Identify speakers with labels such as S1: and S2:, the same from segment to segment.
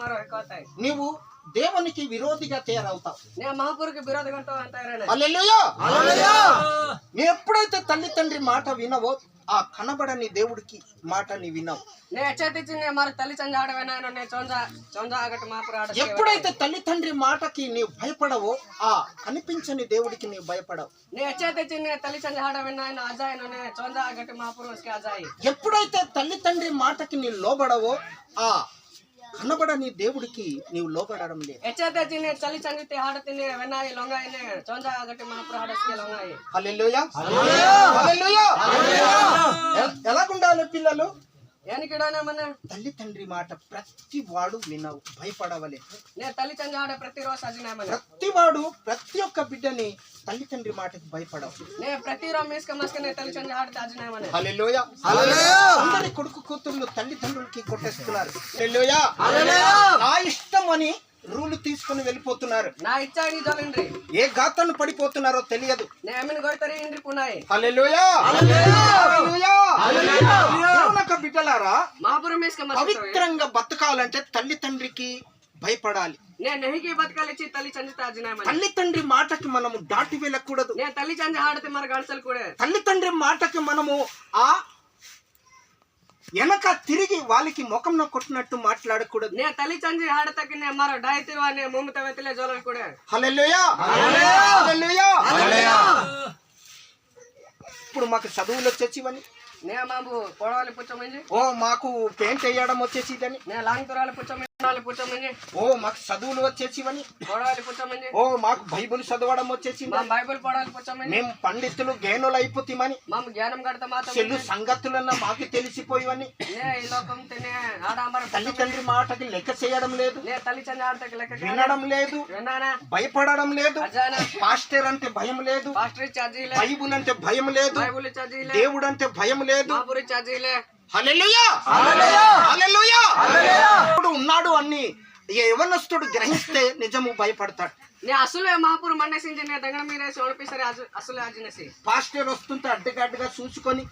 S1: నీవు దేవునికి విరోధిగా తయారవుతావు. నీ ఎప్పుడైతే తల్లి తండ్రి మాట వినవో ఆ కనబడని దేవుడికి మాట నీ వినవు. ఎప్పుడైతే తల్లి తండ్రి మాటకి నీవు భయపడవో ఆ కనిపించని దేవుడికి నీవు భయపడవు. ఎప్పుడైతే తల్లి తండ్రి మాటకి నీ లోబడవో ఆ కనబడని దేవుడికి నీవు లోబడడం లేదు. ఎలాగుండాలి పిల్లలు? తల్లి తండ్రి మాట ప్రతి వాడు వినవు, భయపడవలే. ప్రతి వాడు ప్రతి ఒక్క బిడ్డని తల్లి తండ్రి మాటకి భయపడవు. అందరి కొడుకు కూతుర్లు తల్లిదండ్రులకి కొట్టేస్తున్నారు. నా ఇష్టం అని రూలు తీసుకుని వెళ్ళిపోతున్నారు. ఏ గాతను పడిపోతున్నారో తెలియదు. బిడ్డలారా, పవిత్రంగా బతకాలంటే తల్లి తండ్రికి భయపడాలి. తల్లి తండ్రి మాటకి మనము దాటి వెళ్ళకూడదు. తల్లి తండ్రి మాటకి మనము ఆ వెనక తిరిగి వాళ్ళకి ముఖంలో కొట్టినట్టు మాట్లాడకూడదు. ఇప్పుడు మాకు చదువులు వచ్చేసివని, ఓ మాకు పెయింట్ వేయడం వచ్చేసిదని, ఓ మాకు చదువులు వచ్చేసివని, ఓ మాకు బైబుల్ చదవడం వచ్చేసి, మేము పండితులు జ్ఞానులు అయిపోతామని, చెల్లు సంగతులన్నా మాకు తెలిసిపోయివని, తల్లి తండ్రి మాటకి లెక్క చేయడం లేదు, వినడం లేదు, భయపడడం లేదు. పాస్టర్ అంటే భయం లేదు, బైబుల్ అంటే భయం లేదు, దేవుడు అంటే భయం లేదు. ఉన్నాడు అన్ని యవనస్తుడు గ్రహిస్తే నిజము భయపడతాడు. పాస్టర్ వస్తుంటే అడ్డగడ్డగా చూసుకొని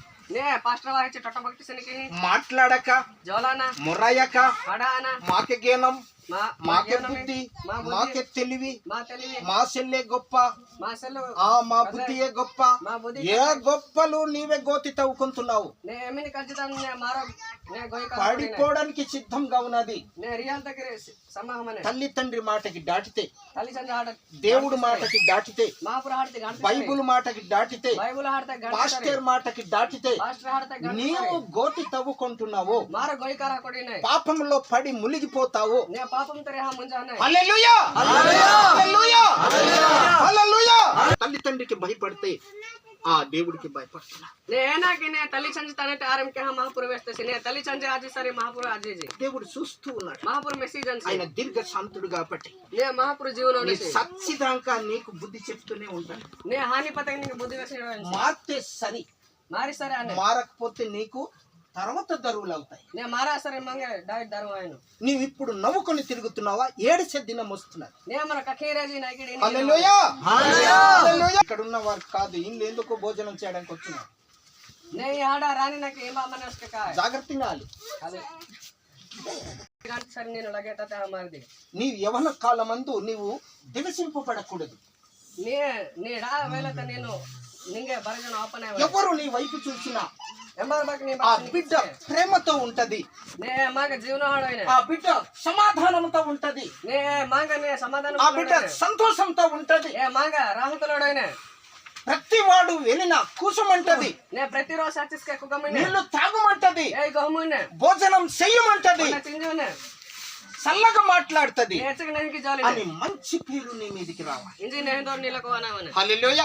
S1: మాట్లాడక మొరయక మాకే జ్ఞానం, మాకే బుద్ధి, మాకే తెలివి, మా సెల్లే గొప్ప, మా బుద్ధియే గొప్ప, ఏ గొప్పలు నీవే గోతి తవ్వుకుంటున్నావు. పడిపోవడానికి సిద్ధంగా ఉన్నది. తల్లి తండ్రి మాటకి దాటితే, దేవుడు మాటకి దాటితే, బైబుల్ మాటకి దాటితే, పాస్టర్ మాటకి దాటితే నీవు గోతి తవ్వుకుంటున్నావు. పాపంలో పడి మునిగిపోతావు. తల్లి తండ్రికి భయపడితే ఆ దేవుడికి భయపడుతున్నా. దేవుడు చూస్తూ ఉన్నాడు. ఆయన దీర్ఘ శాంతుడు కాబట్టి సచ్చిదాకా నీకు బుద్ధి చెప్తూనే ఉంటాడు. మారితే సరి, మారకపోతే నీకు తర్వాత దరువులు అవుతాయి. నీవు ఇప్పుడు నవ్వుకొని తిరుగుతున్నావా? ఏడిసే దినం వస్తున్నది. ఇక్కడ ఉన్న వారు కాదు, ఇల్లు ఎందుకు భోజనం చేయడానికి వచ్చినారు. జాగ్రత్తగా నీవు యవన కాలమందు నీవు దిగసింపబడకూడదు. ఎవరు నీ వైపు చూసినా ఆ బిడ్డ ప్రేమతో ఉంటది, ఆ బిడ్డ సమాధానంతో ఉంటది, ఆ బిడ్డ సంతోషంతో ఉంటది. ప్రతి వాడు వెళ్ళిన కూసమంటది, నీళ్లు తాగమంటది, భోజనం చెయ్యమంటది, చల్లగా మాట్లాడుతుంది అని మంచి పేరు నీ మీదికి రావాలి. హల్లెలూయా.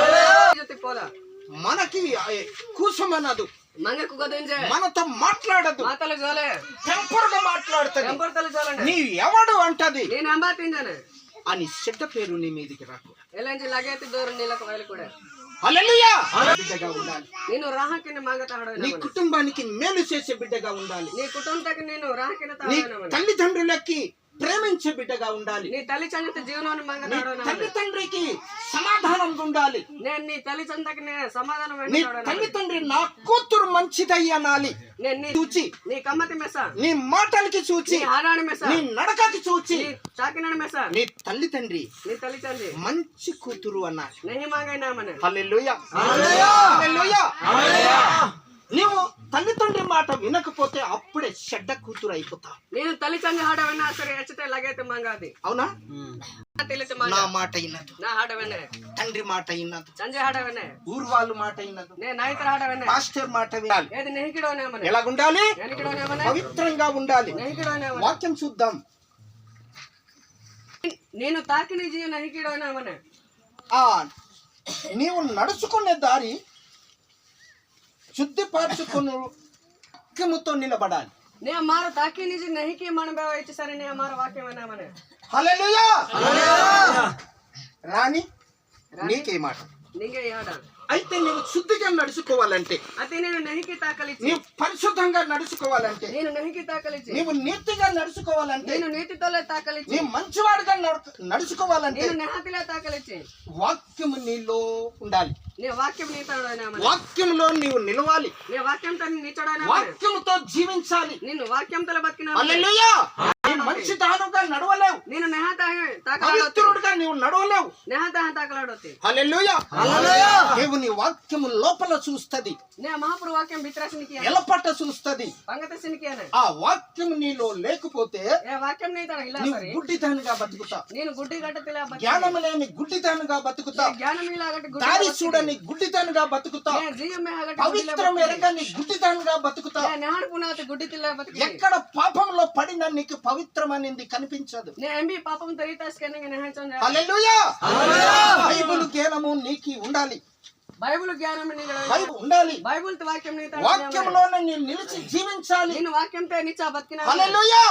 S1: మనకి కూసమనదు, మనతో మాట్లాడదు, టెంపర్గా మాట్లాడుతుంది. నీ ఎవడు అంటది అని చెడ్డ పేరు నీ మీదికి రాకు. హల్లెలూయా. బిడ్డగా ఉండాలి. నీ కుటుంబానికి మేలు చేసే బిడ్డగా ఉండాలి. నీ తల్లిదండ్రులకి ప్రేమించే బిడ్డగా ఉండాలి.
S2: నీ తల్లి చంద్ర జీవనాన్ని
S1: తల్లిదండ్రికి సమాధానంగా ఉండాలి.
S2: నేను నీ తల్లి చందకి సమాధానం
S1: నీ తల్లిదండ్రి నా కూతురు మంచిదయ్యి అనాలి. చూచి
S2: నీ కమ్మతి మెస,
S1: నీ మాటలకి చూచి,
S2: ఆడాని మెస,
S1: నీ నడకకి చూచి,
S2: చాకినాడు మెస,
S1: నీ తల్లిదండ్రి మంచి కూతురు అన్నాలి. హల్లెలూయా హల్లెలూయా. నీవు తల్లిదండ్రి మాట వినకపోతే అప్పుడే చెడ్డ కూతురు అయిపోతావు.
S2: నేను తల్లిదండ్రి హాడ విన్నా సరే ఎచ్చతే లగైతే మంగాది.
S1: అవునా? నా మాట విన్నదు,
S2: నా హాడ వినే
S1: తండ్రి మాట విన్నదు,
S2: సంజయ్ హాడ వినే
S1: ఊరు వాళ్ళు మాట విన్నదు,
S2: నేను నాయకుల హాడ వినే
S1: పాస్టర్ మాట వినాలి.
S2: ఏది నెహికిడోనేమనే
S1: ఎలాగుండాలి?
S2: నెహికిడోనేమనే
S1: పవిత్రంగా ఉండాలి.
S2: నెహికిడోనేమనే
S1: వాక్యం చూద్దాం.
S2: నేను తాకిని జీవ నెహికిడోనేమనే
S1: నీవు నడుచుకునే దారి శుద్ధిపరచుకుని వాక్యముతో నిలబడాలి.
S2: నే మార తాకి నిజ నహికి మన బేవ ఇచ్చేసరి నే మార వాక్యం వినామనే.
S1: హల్లెలూయా. రాణి నీకే మాట
S2: నీకే హాడ.
S1: అయితే నీవు శుద్ధిగా నడుచుకోవాలంటే,
S2: అయితే నేను నహికి తాకలిచి,
S1: నీవు పరిశుద్ధంగా నడుచుకోవాలంటే,
S2: నేను నహికి తాకలిచి,
S1: నీవు నీతిగా నడుచుకోవాలంటే,
S2: నేను నీతితోలే తాకలిచి,
S1: నీవు మంచివాడిగా నడుచుకోవాలంటే,
S2: నేను నెహతిలే తాకలిచి,
S1: వాక్యము నీలో ఉండాలి.
S2: నే వాక్యం నీతోడైనామనే.
S1: వాక్యంలో నీవు నిలవాలి.
S2: నే వాక్యంతో నీతోడైనామనే.
S1: వాక్యముతో జీవించాలి.
S2: నిన్ను వాక్యంతో బతికినా.
S1: హల్లెలూయా. మంచి దానుగా నడవలేవు.
S2: నేను నెహత
S1: పవిత్రుడిగా నీవు నడవలేవు.
S2: నెహత తాకలాడొత్తి.
S1: హల్లెలూయా. దేవుని వాక్యము లోపల చూస్తది,
S2: నే మహాపురు వాక్యం బిత్రాసినికి
S1: ఎలపట చూస్తది.
S2: పంగతసినికి అనే
S1: ఆ వాక్యం నీలో లేకపోతే
S2: ఏ వాక్యం నీతోడ ఇలా
S1: నీవు
S2: సరి
S1: గుడ్డిదానిగా బతుకుతా.
S2: నేను గుడ్డి గట్టతిలా బతికి,
S1: జ్ఞానం లేని గుడ్డిదానిగా బతుకుతా.
S2: జ్ఞానం ఇలాగటి గుడ్డి
S1: దారి చూడని గుడ్డిదానిగా బతుకుతా.
S2: నే జీవమే ఆగటి
S1: పవిత్రం ఎరగని గుడ్డిదానిగా బతుకుతా.
S2: నే నెహడు పునాతి గుడ్డి తిలా బతికి.
S1: ఎక్కడ పాపంలో పడినా నీకు పవిత్రమనేది కనిపించదు.
S2: నే ఎంబి పాపం తరితాస్కనే నెహచం.
S1: హల్లెలూయా. బైబిల్ జ్ఞానము నీకి ఉండాలి.
S2: బైబిల్ జ్ఞానం నీకు
S1: ఉండాలి.
S2: బైబిల్ వాక్యం నీతో
S1: వాక్యంలోనే నేను నిలిచి జీవించాలి.
S2: నేను వాక్యంతో నిచ్చా బతికినా.
S1: హల్లెలూయా.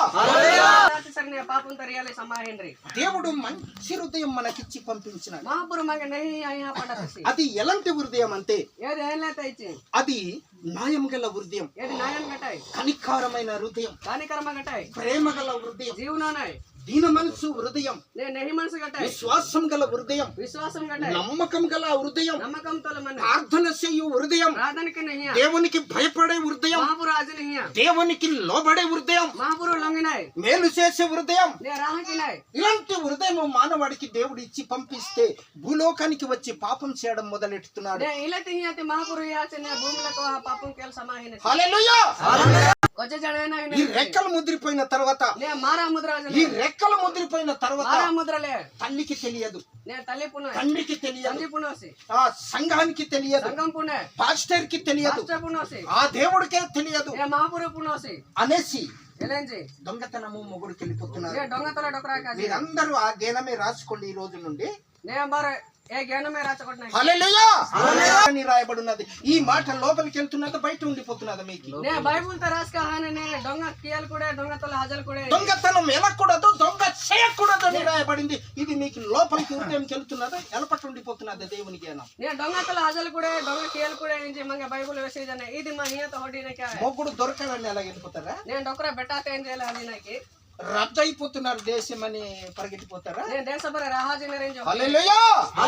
S2: సరే నే పాపం తరియాలి సమాహేంద్రి.
S1: దేవుడు మంచి హృదయం మనకిచ్చి పంపించినాడు.
S2: మహాపురు మగ నహి అయ్యా పడతసి.
S1: అది ఎలాంటి హృదయం అంటే,
S2: ఏది ఏలేత ఇచ్చి,
S1: అది న్యాయం గల హృదయం,
S2: ఏది నాయన గటాయి,
S1: కనికారమైన హృదయం,
S2: కానికర్మ గటాయి,
S1: ప్రేమ గల హృదయం,
S2: జీవనాయ్,
S1: దీన మనసు హృదయం,
S2: నే నెహి మనసు గటాయి,
S1: విశ్వాసం గల హృదయం,
S2: విశ్వాసం గటాయి,
S1: నమ్మకం గల హృదయం,
S2: నమ్మకంతో మన
S1: ప్రార్థన చేయు హృదయం,
S2: ప్రార్థనకి నహియా,
S1: దేవునికి భయపడే హృదయం,
S2: మహాపురు ఆజ నహియా,
S1: దేవునికి లోబడే హృదయం,
S2: మహాపురు లొంగినాయ్,
S1: మేలు చేసే హృదయం.
S2: నే రాహకినాయ్.
S1: ఇలాంటి హృదయం మానవాడికి దేవుడు ఇచ్చి పంపిస్తే భూలోకానికి వచ్చి పాపం చేయడం మొదలెడుతున్నాడు.
S2: నే ఇలతి హియాతి మహాపురు యాచనే భూమిలకు పాపం కేల్ సమాహిన.
S1: హల్లెలూయా.
S2: కొచ్చ జడవేనా
S1: ఈ రెక్కలు ముద్రిపోయిన తర్వాత,
S2: నే మారా ముద్ర
S1: ఈ రెక్కలు ముద్రిపోయిన తర్వాత
S2: మారా ముద్రలే
S1: తల్లికి తెలియదు,
S2: నే తల్లి పున
S1: తండ్రికి తెలియదు,
S2: తండ్రి పునోసి,
S1: ఆ సంఘానికి తెలియదు,
S2: సంగం పునే,
S1: పాస్టర్ కి తెలియదు,
S2: పాస్టర్ పునోసి,
S1: ఆ దేవుడికే తెలియదు
S2: నే మహాపురు పునోసి
S1: అనేసి
S2: ఎలేంజి
S1: దొంగతనము మొగుడికి వెళ్ళిపోతున్నారు.
S2: నే దొంగతల డొకరా కాజి.
S1: మీరందరూ ఆ జ్ఞానమే రాసుకోండి ఈ రోజు నుండి.
S2: నే బార ఏ జ్ఞానమే రాచకొట్నా.
S1: హల్లెలూయా. అని రాయబడినది. ఈ మాట లోపలికి వెళ్తున్నది, బయట ఉండిపోతున్నది. మీకు
S2: నే బైబిల్ తో రాస్కా హానే నే దొంగ కియల్ కూడా దొంగతల హజల్ కూడా
S1: దొంగతనం వెళ్ళకూడదు, దొంగ చేయకూడదు అని రాయబడింది. ఇది మీకు లోపలికి హృదయంకి వెళ్తున్నది, ఎలపట్టు ఉండిపోతున్నది దేవుని జ్ఞానం.
S2: నే దొంగతల హజల్ కూడా దొంగ కియల్ కూడా ఇంజి మంగ బైబిల్ వేసేదనే ఇది మా నియత హోడినే కా.
S1: మొగుడు దొరకదని ఎలా వెళ్ళిపోతారా?
S2: నేను డొకరా బెటాతే ఏం చేయాలి అది నాకి
S1: రద్దు అయిపోతున్నారు దేశం అని పరిగెట్టిపోతారా?
S2: నేను దేశపర రాహాజీ రేంజ్
S1: హల్లెలూయా.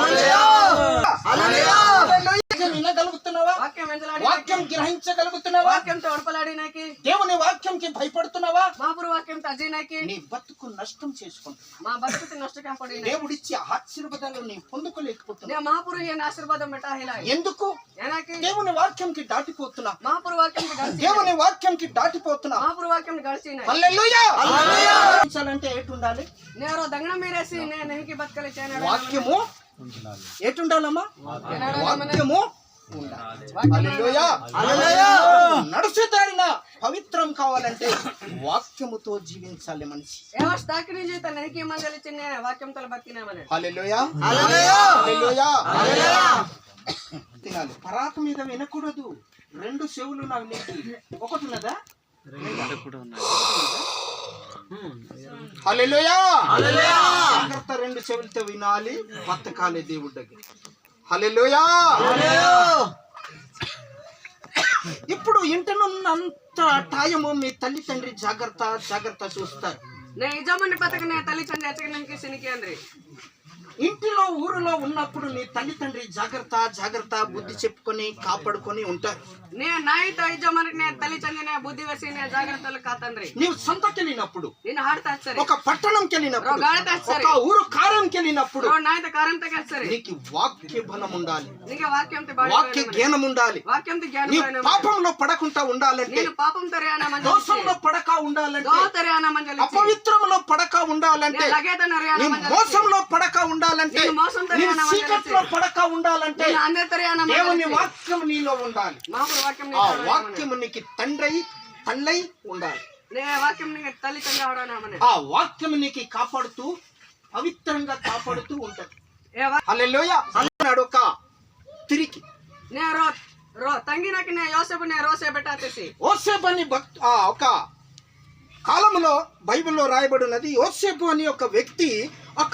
S1: వినగలుగుతున్నావా? వాక్యం గ్రహించగలుగుతున్నావా?
S2: వాక్యంతో ఒడపలాడి నాకి,
S1: దేవుని వాక్యంకి భయపడుతున్నావా?
S2: మహాపురు వాక్యంతో అజీ నాకి
S1: నీ బతుకు నష్టం చేసుకుంటున్నా.
S2: మా బతుకుతి నష్ట కాపడి
S1: దేవుడిచ్చే ఆశీర్వాదాలు నీ పొందుకోలేకపోతున్నా.
S2: నే మహాపురు ఏ ఆశీర్వాదం బెటా హిలాయి.
S1: ఎందుకు?
S2: ఏనాకి
S1: దేవుని వాక్యంకి దాటిపోతున్నా.
S2: మహాపురు వాక్యంకి గడిచి,
S1: దేవుని వాక్యంకి దాటిపోతున్నా.
S2: మహాపురు వాక్యం గడిచినాయి.
S1: హల్లెలూయా. అంటే ఏటు ఉండాలి?
S2: నేను దంగన మీరేసి నేను నెహికి బతకలి చేయనాడు.
S1: వాక్యము ఏటు ఉండాలమ్మా? వాక్యము ఉండాలి. హల్లెలూయా. నడుచు దారిన పవిత్రం కావాలంటే వాక్యముతో జీవించాలి మనిషి.
S2: ఏవస్ తాకి నుంచి తన నెహికి మందలి చిన్న వాక్యంతో బతికినామని.
S1: హల్లెలూయా. హల్లెలూయా. తినాలి. పరాకు మీద వినకూడదు. రెండు చెవులు నాకు నీకు ఒకటి ఉన్నదా? హల్లెలూయా. జాగ్రత్త, రెండు చెవులతో వినాలి, బతకాలి దేవుడి దగ్గర. హల్లెలూయా. ఇప్పుడు ఇంటనున్నంత టైము మీ తల్లి తండ్రి జాగ్రత్త చూస్తారు.
S2: నే యజమాని పతకనే తల్లి చండి ఎచ్చగనికి సినికి అంద్రి
S1: ఇంటిలో ఊరిలో ఉన్నప్పుడు నీ తల్లిదండ్రి జాగ్రత్త జాగ్రత్త బుద్ధి చెప్పుకొని కాపాడుకొని ఉంటారు.
S2: నే నాయిత యజమానికి నే తల్లి చండినే బుద్ధి వేసి నే జాగ్రత్తలు కాతండ్రి.
S1: నీవు సంతకెళ్ళినప్పుడు,
S2: నేను ಹಾಡ್ತಾ ಇರ್ತಾರೆ,
S1: ఒక పట్టణంకి వెళ్ళినప్పుడు,
S2: గాడిత ఇస్తారు,
S1: ఒక ఊరు కార్యంకి వెళ్ళినప్పుడు
S2: నాయిత కారంత కస్తారు.
S1: నీకు వాక్య బలం ఉండాలి,
S2: నీకు వాక్యంతో
S1: వాక్య జ్ఞానం ఉండాలి.
S2: వాక్యంతో
S1: నీ
S2: జ్ఞానం
S1: పాపంలో పడకుండా ఉండాలంటే,
S2: నేను పాపం తరియానా మంజలి,
S1: దోషంలో పడక ఉండాలంటే,
S2: దో తరియానా మంజలి,
S1: అపవిత్రంలో పడక ఉండాలంటే,
S2: లగేత నరియానా
S1: నీ
S2: మంజలి,
S1: మోసంలో పడక ఉండాలంటే,
S2: నేను మోసం
S1: నీ
S2: తరియానా మంజలి,
S1: చీకట్లో పడక ఉండాలంటే
S2: నేను అందే తరియానా మంజలి,
S1: దేవుని వాక్యం నీలో ఉండాలి.
S2: మాపురు వాక్యం
S1: ఆ వాక్యం నీకు తండ్రై తల్లై ఉండాలి.
S2: నే వాక్యం నీకు తల్లి చండి ఆడనామనే,
S1: ఆ వాక్యం నీకు కాపాడుతూ పవిత్రంగా కాపాడుతూ ఉంటది.
S2: ఏ
S1: హల్లెలూయా అన్నాడు ఒక తిరిగి.
S2: నే రో తంగినకి నే యోసేపు నే రోసే బెట్టాతేసి
S1: యోసేపు అని ఒక కాలంలో బైబిల్లో రాయబడినది. యోసేపు అని ఒక వ్యక్తి ఒక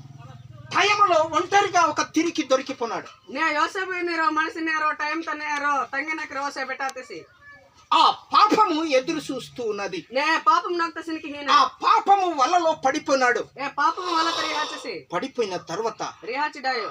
S1: టైంలో ఒంటరిగా ఒక తిరిగి దొరికిపోన్నాడు.
S2: నే యోసేపు నీరో మనిషి నేరో టైం తనేరో తంగినకి రోసే బెట్టాతేసి
S1: ఆ పాపము ఎదురు చూస్తూ ఉన్నది.
S2: నే పాపం నాకు సినికి హీన
S1: ఆ పాపము వలలో పడిపోయినాడు.
S2: ఏ పాపం వల్ల రిహాచేసి
S1: పడిపోయిన తర్వాత
S2: రిహాచిడాయో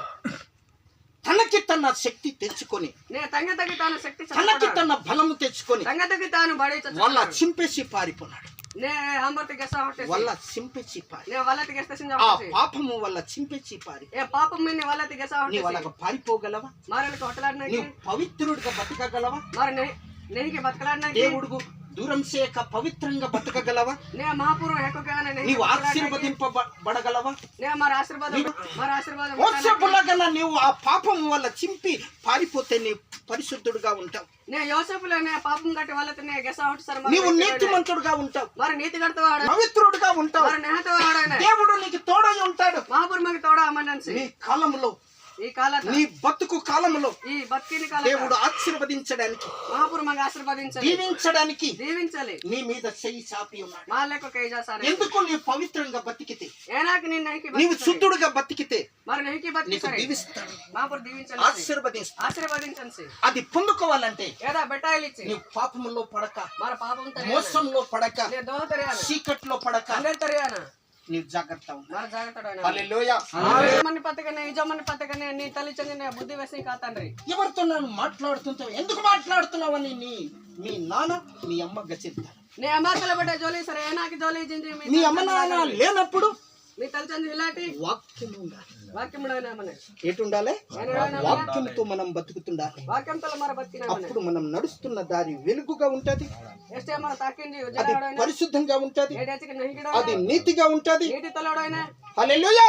S1: తనకి తన శక్తి తెచ్చుకొని,
S2: నే తంగ తాను శక్తి
S1: తనకి తన బలము తెచ్చుకొని
S2: తంగ తాను బడి
S1: వాళ్ళ చింపేసి పారిపోయినాడు.
S2: నే హంబర్తి గెస హొట్టేసి
S1: వాళ్ళ చింపేసి పారి,
S2: నే వల్లతి గెస్త సింజ
S1: ఆ
S2: హొట్టేసి
S1: పాపము వల్ల చింపేసి పారి.
S2: ఏ పాపం మిని వల్లతి గెస
S1: నీ
S2: హొట్టేసి
S1: వాళ్ళకి పారిపోగలవా?
S2: మారలకు హొట్టలాడనకి
S1: నీవు పవిత్రుడిగా బతకగలవా?
S2: మరి నెహికి బతకలాడనకి
S1: దేవుడుకు దూరం చేయక పవిత్రంగా బతకగలవా?
S2: నే మహాపురు హెక్కగానే
S1: నీవు ఆశీర్వదింపబడగలవా?
S2: నే మరి ఆశీర్వాదం
S1: యోసేపులాగా నీవు ఆ పాపము వల్ల చింపి పారిపోతే నీ పరిశుద్ధుడుగా ఉంటావు.
S2: నే యోసేపులనే పాపం గట్టి వాళ్ళతో నే గెస హొట్ట సర్
S1: నీవు నీతిమంతుడుగా ఉంటావు,
S2: మరి నీతి గడతవాడ
S1: పవిత్రుడుగా ఉంటావు.
S2: మరి నెహతవాడనే
S1: దేవుడు నీకు తోడై ఉంటాడు.
S2: మహాపురు మగ తోడ అమ్మనన్సి
S1: నీ కాలంలో,
S2: ఈ కాల
S1: నీ బతుకు కాలంలో
S2: ఈ బతికిన కాల
S1: దేవుడు ఆశీర్వదించడానికి,
S2: మహాపురు మగ ఆశీర్వదించాలి,
S1: దీవించడానికి
S2: దీవించాలి.
S1: నీ మీద చెయ్యి చాపి ఉన్నాడు.
S2: మాలకు కేజాసారే
S1: ఎందుకు నీవు పవిత్రంగా బతికితే,
S2: ఏనాకి నిన్న నెహికి
S1: నీవు శుద్ధుడుగా బతికితే
S2: మరి నెహికి
S1: నీకు
S2: బతికిసరే
S1: దీవిస్తాడు,
S2: మహాపురు దీవించాలి,
S1: ఆశీర్వదిస్తాడు.
S2: ఆశీర్వదించండి.
S1: అది పొందుకోవాలంటే
S2: ఏదా బెట్టాయిలిచ్చి
S1: నీవు పాపములో పడక,
S2: మరి పాపం తరియాన
S1: మోసంలో పడక,
S2: నే దోహ తరియాన
S1: చీకట్లో పడక
S2: అందే తరియాన
S1: నీవు జాగ్రత్త ఉండాలి.
S2: మరి జాగ్రత్తడైన
S1: హల్లెలూయా.
S2: యజమాని పతకనే యజమాని పతకనే నీ తల్లి చందిన బుద్ధి వేసి కాతండ్రి.
S1: ఎవరితో నన్ను మాట్లాడుతుంటావు? ఎందుకు మాట్లాడుతున్నావని మీ నాన్న మీ అమ్మ గచ్చిస్తారు.
S2: నీ అమ్మాతల బట్ట జోలి సరే ఏనాకి జోలి జింజి
S1: మీ అమ్మ నాన్న లేనప్పుడు
S2: మీ తల్లి చంది ఇలాంటి
S1: వాక్యం ఉండాలి.
S2: వాక్యం
S1: ఏటు ఉండాలి? వాక్యంతో మనం బతుకుతుండాలి.
S2: వాక్యంతో మరి బతికిన
S1: అప్పుడు మనం నడుస్తున్న దారి వెలుగుగా ఉంటది,
S2: ఎస్టే మన తాకింది
S1: అది పరిశుద్ధంగా ఉంటది,
S2: ఏడేచికి నెహికిడ
S1: అది నీతిగా ఉంటది.
S2: నీటి తలడైన
S1: హల్లెలూయా.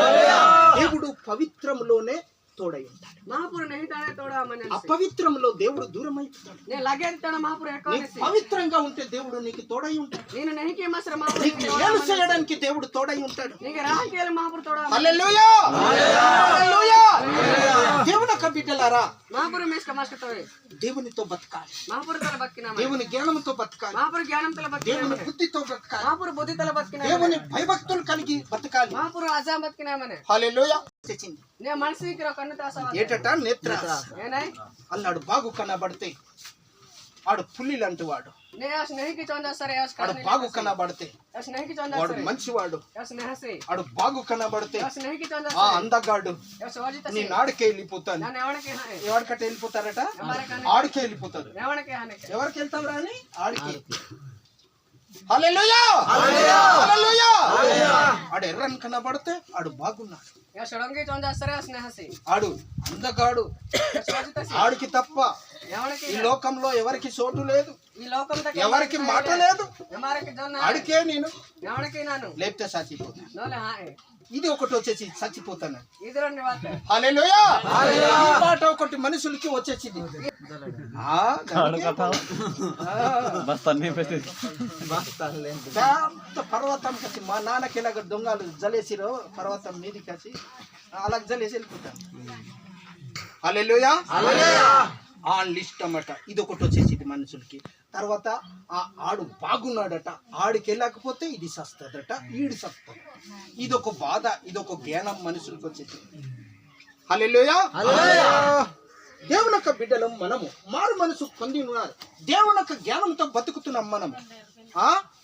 S1: దేవుడు పవిత్రంలోనే తోడై ఉంటాడు.
S2: మహాపురు నెహితానే తోడా అమ్మని
S1: అపవిత్రంలో దేవుడు దూరం అయిపోతాడు.
S2: నేను లగేస్తాడు మహాపురు
S1: నీకు పవిత్రంగా ఉంటే దేవుడు నీకు తోడై ఉంటాడు.
S2: నేను నెహికి మసర
S1: నీకు మేలు చేయడానికి దేవుడు తోడై ఉంటాడు.
S2: నీకు రాహకేల మహాపురు తోడా.
S1: హల్లెలూయా. హల్లెలూయా. దేవుని యొక్క బిడ్డలారా,
S2: మహాపురు మేస్క మాస్కతోయ్
S1: దేవునితో బతకాలి,
S2: మహాపురు తల బతికిన
S1: దేవుని జ్ఞానంతో బతకాలి,
S2: మహాపురు జ్ఞానం తల బతికిన
S1: దేవుని బుద్ధితో బతకాలి,
S2: మహాపురు బుద్ధి తల బతికిన
S1: దేవుని భయభక్తులు కలిగి బతకాలి.
S2: మహాపురు అజాం బతికినామనే.
S1: హల్లెలూయా. తెచ్చింది
S2: నే మనసుకి కన్ను తాసవా
S1: ఏటట నేత్ర
S2: ఏనాయ్
S1: అన్నాడు. బాగు కనబడితే ఆడు పుల్లిలంటూ వాడు,
S2: నే స్నేహికి చొంద సరే
S1: ఆడు బాగు కనబడితే
S2: స్నేహికి చొంద
S1: వాడు
S2: సరే
S1: మంచివాడు,
S2: స్నేహసి
S1: ఆడు బాగు కనబడితే
S2: స్నేహికి చొంద
S1: ఆ అందగాడు
S2: సోజిత
S1: నీ నాడికే వెళ్ళిపోతాను.
S2: నేను ఎవరికి హానే
S1: ఎవరికట్ట వెళ్ళిపోతారట? ఆడికే వెళ్ళిపోతారు.
S2: ఎవరికి హానే
S1: ఎవరికి వెళ్తాం రాని? ఆడికి. హల్లెలూయా. హల్లెలూయా. ఆడు ఎర్రని కనబడితే ఆడు బాగున్నాడు,
S2: షడంగి చొంద సరే స్నేహసి
S1: ఆడు అందగాడు,
S2: సోజిత
S1: ఆడికి తప్ప
S2: ఎవరికి
S1: ఈ లోకంలో ఎవరికి చోటు లేదు,
S2: ఈ లోకం
S1: ఎవరికి మాట లేదు.
S2: ఎవరికి జొన్న
S1: ఆడికే నేను
S2: ఎవరికి నాను
S1: లేపితే చచ్చిపోతాను.
S2: నోలే హాయ్
S1: ఇది ఒకటి వచ్చేసి చచ్చిపోతాను.
S2: ఇది రెండు వాత
S1: హల్లెలూయా. ఈ మాట ఒకటి మనుషులకి వచ్చేసింది. పెద్ద పర్వతం కచ్చి మా నాన్నకి ఇలాగ దొంగలు జలేసిరో పర్వతం మీది కచ్చి అలా జలేసి వెళ్ళిపోతాను. హల్లెలూయా. ఆ లిస్ట్ అన్నమాట. ఇది ఒకటి వచ్చేసింది మనుషులకి. తర్వాత ఆడు బాగున్నాడట, ఆడికి వెళ్ళకపోతే ఇది సస్తదట, ఈడు సస్తది. ఇదొక బాధ, ఇదొక జ్ఞానం మనుషులకు వచ్చేసి. హల్లెలూయా. దేవుని యొక్క బిడ్డలం మనము మారు మనసు పొంది ఉన్నారు. దేవుని యొక్క జ్ఞానంతో బతుకుతున్నాం మనము.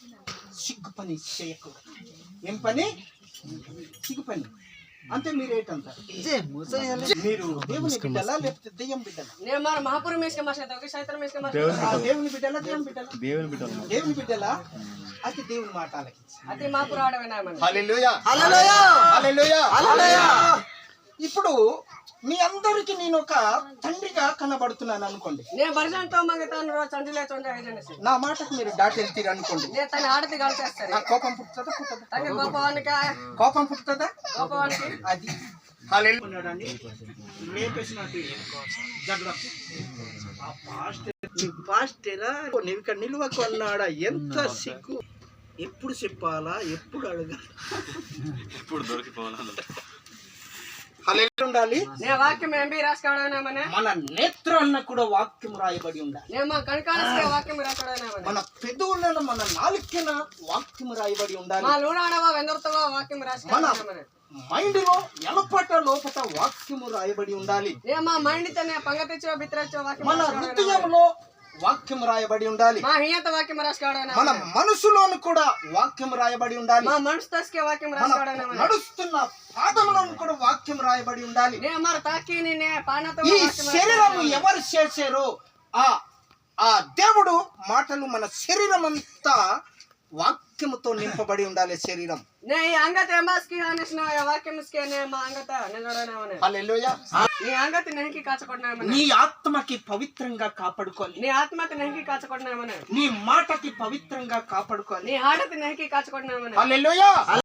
S1: సిగ్గు పని చేయకూడదు. ఏం పని? సిగ్గు పని. అంటే మీరు ఏంటంటారు? మీరు దేవుని బిడ్డలా లేకపోతే దెయ్యం బిడ్డలా?
S2: నేను మన మహాపురం మేస్క మాస్టర్ ఒక సైతం మేస్క మాస్టర్
S1: దేవుని బిడ్డలా దెయ్యం బిడ్డలా? దేవుని బిడ్డలా. అయితే దేవుని మాట ఆలకించు.
S2: అతి మహాపురం ఆడవేనామని.
S1: హల్లెలూయా హల్లెలూయా హల్లెలూయా హల్లెలూయా. ఇప్పుడు మీ అందరికి నేను ఒక తండ్రిగా కనబడుతున్నాను అనుకోండి.
S2: నేను బర్జంతో మంగతాను రోజు చండిలే చొంజ ఏజెన్సీ.
S1: నా మాటకు మీరు దాటి వెళ్తారు అనుకోండి.
S2: నేను తన ఆడతి కలిసేస్తాను.
S1: నా కోపం పుట్టుతుందా పుట్టదా?
S2: తన కోపానికి
S1: కోపం పుట్టుతుందా?
S2: కోపానికి
S1: అది హల్లెలూయా. లేపేసినట్టు జగడం. ఆ పాస్టేరా నీవు ఇక్కడ నిలువకు అన్నాడా? ఎంత సిగ్గు. ఎప్పుడు చెప్పాలా, ఎప్పుడు అడగాలి,
S3: ఎప్పుడు దొరికిపోవాలా?
S1: హల్లెలూయా ఉండాలి.
S2: నేను వాక్యం ఎంబీ రాసుకోవడామనే.
S1: మన నేత్రాన్న కూడా వాక్యం రాయబడి ఉండాలి.
S2: నేను మా కణకాలకే వాక్యం రాసుకోవడామనే.
S1: మన పెదవులను మన నాలుకన వాక్యం రాయబడి ఉండాలి.
S2: మా లూడాడవా వెందర్తవా వాక్యం రాసుకోవడామనే.
S1: మైండ్ లో ఎలపట లోపట వాక్యము రాయబడి ఉండాలి.
S2: నేను మా మైండ్ తనే పంగతిచ్చో బిత్రచ్చో వాక్యం
S1: మన హృదయంలో వాక్యం రాయబడి ఉండాలి.
S2: మా హియత వాక్యం రాసుకోవడామనే.
S1: మన మనసులోను కూడా వాక్యం రాయబడి ఉండాలి.
S2: మా మనసు తస్కే వాక్యం
S1: మన
S2: రాసుకోవడామనే.
S1: నడుస్తున్న పాదములను కూడా వాక్యం రాయబడి ఉండాలి.
S2: నేను మరి తాకి నే పానతో
S1: ఈ శరీరము ఎవరు చేశారో ఆ దేవుడు మాటలు మన శరీరం అంతా వాక్యముతో నింపబడి ఉండాలి. శరీరం
S2: నే ఈ అంగత ఎంబాస్కి హానిస్న వాక్యంస్కే నే మా అంగత నిలడనామనే.
S1: హల్లెలూయా.
S2: నీ అంగతి నెహకి కాచకొడనామనే.
S1: నీ ఆత్మకి పవిత్రంగా కాపాడుకోవాలి.
S2: నీ ఆత్మకి నెహకి కాచకొడనామనే.
S1: నీ మాటకి పవిత్రంగా కాపాడుకోవాలి.
S2: నీ ఆడతి నెహకి కాచకొడనామనే.
S1: హల్లెలూయా.